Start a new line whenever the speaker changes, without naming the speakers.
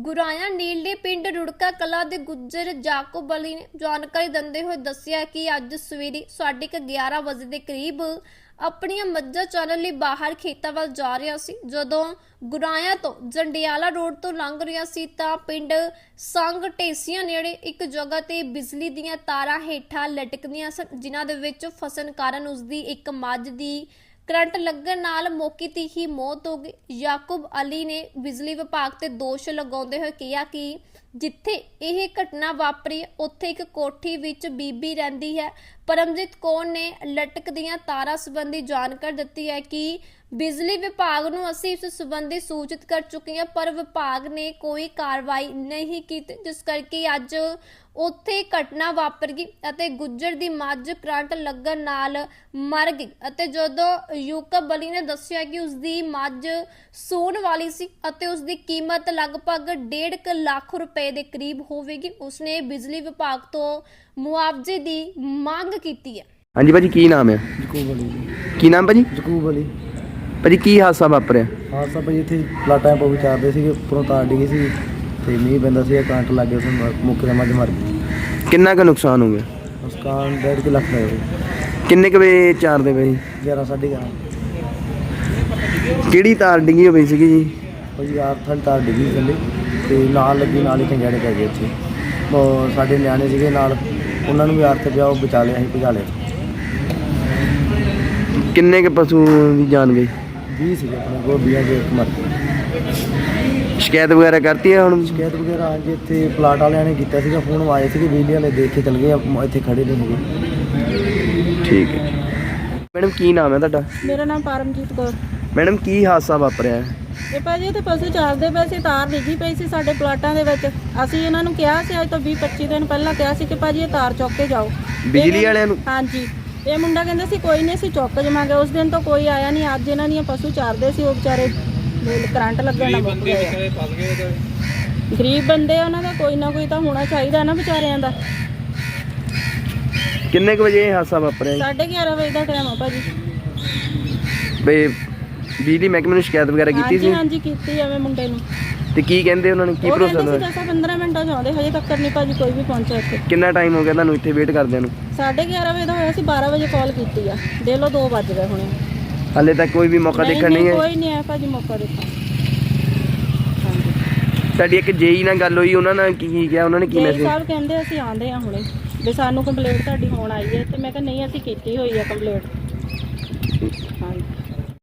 ਗੁਰਾਇਆ ਨੀਲੇ ਪਿੰਡ ਰੁੜਕਾ ਕਲਾ ਦੇ ਗੁੱਜਰ ਜਾਕੂਬ ਅਲੀ ਨੇ ਜਾਣਕਾਰੀ ਦਿੰਦੇ ਹੋਏ ਦੱਸਿਆ ਕਿ ਅੱਜ ਸਵੇਰੇ 11:30 ਵਜੇ ਦੇ ਕਰੀਬ ਆਪਣੀਆਂ ਮੱਝਾਂ ਚਾਰਨ ਲਈ ਬਾਹਰ ਖੇਤਾਂ ਵੱਲ ਜਾ ਰਿਹਾ ਸੀ। ਜਦੋਂ ਗੁਰਾਇਆ ਤੋਂ ਜੰਡਿਆਲਾ ਰੋਡ ਤੋਂ ਲੰਘ ਰਿਹਾ ਸੀ ਤਾਂ ਪਿੰਡ ਸੰਗ ਢੇਸੀਆਂ ਨੇੜੇ ਇੱਕ ਜਗ੍ਹਾ ਤੇ ਬਿਜਲੀ ਦੀਆਂ ਤਾਰਾਂ ਹੇਠਾਂ ਲਟਕਦੀਆਂ ਸਨ, ਜਿਨ੍ਹਾਂ ਦੇ ਵਿੱਚ ਫਸਣ ਕਾਰਨ ਉਸਦੀ ਇੱਕ ਮੱਝ ਦੀ करंट लगन नाल मौके ते ही मौत हो गई। याकूब अली ने बिजली विभाग ते दोष लगाउंदे होए कहा कि जिथे यह घटना वापरी उत्थे एक कोठी विच बीबी रहिंदी है। परमजीत कौर ने लटक दियां तारां संबंधी जानकारी दित्ती है कि बिजली विभाग नूं असीं इस संबंधी सूचित कर चुके हैं, पर विभाग ने कोई कार्रवाई नहीं की, जिस करके अज उत्थे घटना वापर गई अते गुज्जर दी मੱਝ करंट लगन नाल मर गई। अते जदों याकूब अली ने दस्सिया कि उसदी मੱਝ सूण वाली सी अते उसदी कीमत लगभग 1.5 लाख रुपए दे करीब होवेगी। उसने बिजली विभाग तो मुआवजे दी मांग कीती है।
हाँ जी भाजी, की नाम है?
ਜਕੂਬ ਅਲੀ।
की नाम भाजी?
ਜਕੂਬ ਅਲੀ।
ਭਾਜੀ ਕੀ ਹਾਦਸਾ ਵਾਪਰਿਆ?
ਹਾਦਸਾ ਭਾਜੀ ਇੱਥੇ ਪਲਾਟਾਂ ਪਾ ਵਿਚਾਰਦੇ ਸੀਗੇ, ਉੱਪਰੋਂ ਤਾਰ ਡਿੱਗੀ ਸੀ ਤੇ ਮੀਂਹ ਪੈਂਦਾ ਸੀ, ਕਰੰਟ ਲੱਗ ਗਿਆ, ਉਸ ਮੁੱਕ ਦਾ ਮੱਝ ਮਰ ਗਈ।
ਕਿੰਨਾ ਕੁ ਨੁਕਸਾਨ ਹੋ ਗਿਆ?
ਉਸ ਕਾਰਨ 1.5 ਲੱਖ ਦਾ ਹੋਇਆ।
ਕਿੰਨੇ ਕੁ ਵਜੇ ਚਾਰਦੇ ਪਏ?
11 ਸਾਢੇ 11
ਕਿਹੜੀ ਤਾਰ ਡਿੱਗੀ ਹੋਈ ਸੀਗੀ ਜੀ?
ਭਾਜੀ ਯਾਰ ਥੱਲੇ ਤਾਰ ਡਿੱਗੀ ਸੀ ਥੱਲੇ ਤੇ ਨਾਲ ਲੱਗੀ, ਨਾਲ ਹੀ ਖੰਜੜੇ ਪੈ ਗਏ ਇੱਥੇ। ਉਹ ਸਾਡੇ ਨਿਆਣੇ ਸੀਗੇ ਨਾਲ, ਉਹਨਾਂ ਨੂੰ ਵੀ ਆਰਥ ਪਿਆ, ਉਹ ਬਚਾ ਲਿਆ, ਅਸੀਂ ਭਜਾ ਲਿਆ।
ਕਿੰਨੇ ਕੁ ਪਸ਼ੂ ਦੀ ਜਾਨ ਗਈ?
20 ਸੀਗੇ ਆਪਣੇ ਗੋਭੀਆਂ ਦੇ, ਇੱਕ ਮਰ ਗਈ।
ਸ਼ਿਕਾਇਤ ਵਗੈਰਾ ਕਰਤੀ ਹੈ ਹੁਣ?
ਸ਼ਿਕਾਇਤ ਵਗੈਰਾ ਅੱਜ ਇੱਥੇ ਪਲਾਟ ਵਾਲਿਆਂ ਨੇ ਕੀਤਾ ਸੀਗਾ, ਫੋਨ ਆਏ ਸੀਗੇ, ਬਿਜਲੀ ਵਾਲੇ ਦੇਖ ਕੇ ਚਲ ਗਏ, ਇੱਥੇ ਖੜੇ ਨਹੀਂ ਸੀਗੇ।
ਠੀਕ ਹੈ ਮੈਡਮ, ਕੀ ਨਾਮ ਹੈ ਤੁਹਾਡਾ?
ਮੇਰਾ ਨਾਮ ਪਰਮਜੀਤ ਕੌਰ।
ਮੈਡਮ ਕੀ ਹਾਦਸਾ ਵਾਪਰਿਆ ਹੈ?
ਇਹ ਭਾਜੀ ਇੱਥੇ ਪਸ਼ੂ ਚਾਰਦੇ ਪਏ ਸੀ, ਤਾਰ ਡਿੱਗੀ ਪਈ ਸੀ ਸਾਡੇ ਪਲਾਟਾਂ ਦੇ ਵਿੱਚ। ਅਸੀਂ ਇਹਨਾਂ ਨੂੰ ਕਿਹਾ ਸੀ, ਅੱਜ ਤੋਂ 20-25 ਦਿਨ ਪਹਿਲਾਂ ਕਿਹਾ ਸੀ ਕਿ ਭਾਜੀ ਇਹ ਤਾਰ ਚੁੱਕ ਕੇ ਜਾਓ
ਬਿਜਲੀ ਵਾਲਿਆਂ ਨੂੰ?
ਹਾਂਜੀ। ਇਹ ਮੁੰਡਾ ਕਹਿੰਦਾ ਸੀ ਕੋਈ ਨਹੀਂ, ਅਸੀਂ ਚੁੱਕ ਜਾਵਾਂਗੇ। ਉਸ ਦਿਨ ਤੋਂ ਕੋਈ ਆਇਆ ਨਹੀਂ। ਅੱਜ ਇਹਨਾਂ ਦੀਆਂ ਪਸ਼ੂ ਚਾਰਦੇ ਸੀ, ਉਹ ਵਿਚਾਰੇ ਕਰੰਟ ਲੱਗਣ ਨਾਲ ਮੁੱਕ ਗਏ। ਗਰੀਬ ਬੰਦੇ ਆ, ਉਹਨਾਂ ਦਾ ਕੋਈ ਨਾ ਕੋਈ ਤਾਂ ਹੋਣਾ ਚਾਹੀਦਾ ਨਾ ਵਿਚਾਰਿਆਂ ਦਾ।
ਕਿੰਨੇ ਕੁ ਵਜੇ ਇਹ ਹਾਦਸਾ ਵਾਪਰਿਆ?
11:30 ਵਜੇ ਦਾ ਟਾਈਮ ਆ ਭਾਜੀ।
ਬਈ ਬਿਜਲੀ ਮਹਿਕਮੇ ਨੂੰ ਸ਼ਿਕਾਇਤ ਵਗੈਰਾ ਕੀਤੀ ਸੀ?
ਹਾਂਜੀ ਕੀਤੀ ਐਵੇਂ ਮੁੰਡੇ ਨੂੰ।
ਤੇ ਕੀ ਕਹਿੰਦੇ ਉਹਨਾਂ ਨੇ? ਕੀ ਭਰੋਸਾ
ਉਹ
ਦਿਵਾਇਆ?
10-15 ਮਿੰਟਾਂ 'ਚ ਆਉਂਦੇ, ਹਜੇ ਤੱਕ ਨਹੀਂ ਭਾਜੀ ਕੋਈ ਵੀ ਪਹੁੰਚਿਆ ਇੱਥੇ।
ਕਿੰਨਾ ਟਾਈਮ ਹੋ ਗਿਆ ਤੁਹਾਨੂੰ ਇੱਥੇ ਵੇਟ ਕਰਦਿਆਂ ਨੂੰ?
11:30 ਵਜੇ ਦਾ ਹੋਇਆ ਸੀ, 12 ਵਜੇ ਕਾਲ ਕੀਤੀ ਆ, ਦੇ ਲਓ 2 ਵੱਜ ਗਏ ਹੁਣੇ।
ਹਾਲੇ ਤੱਕ ਕੋਈ ਵੀ ਮੌਕਾ ਦੇਖਣ ਨਹੀਂ ਹੈ?
ਕੋਈ ਨਹੀਂ ਆਇਆ ਭਾਜੀ ਮੌਕਾ ਦੇਖਣ।
ਸਾਡੀ ਇੱਕ ਜੇਈ ਨਾਲ ਗੱਲ ਹੋਈ, ਉਹਨਾਂ ਨਾਲ ਕੀ ਕਿਹਾ? ਉਹਨਾਂ ਨੇ ਕੀ
ਜੀ
ਮੈਸੇਜ?
ਸਾਹਿਬ ਕਹਿੰਦੇ ਅਸੀਂ ਆਂਦੇ ਆ ਹੁਣੇ ਵੀ ਸਾਨੂੰ ਕੰਪਲੇਂਟ ਤੁਹਾਡੀ ਹੋਣ ਆਈ ਹੈ, ਤੇ ਮੈਂ ਕਿਹਾ ਨਹੀਂ ਅਸੀਂ ਕੀਤੀ ਹੋਈ ਆ ਕੰਪਲੇਂਟ।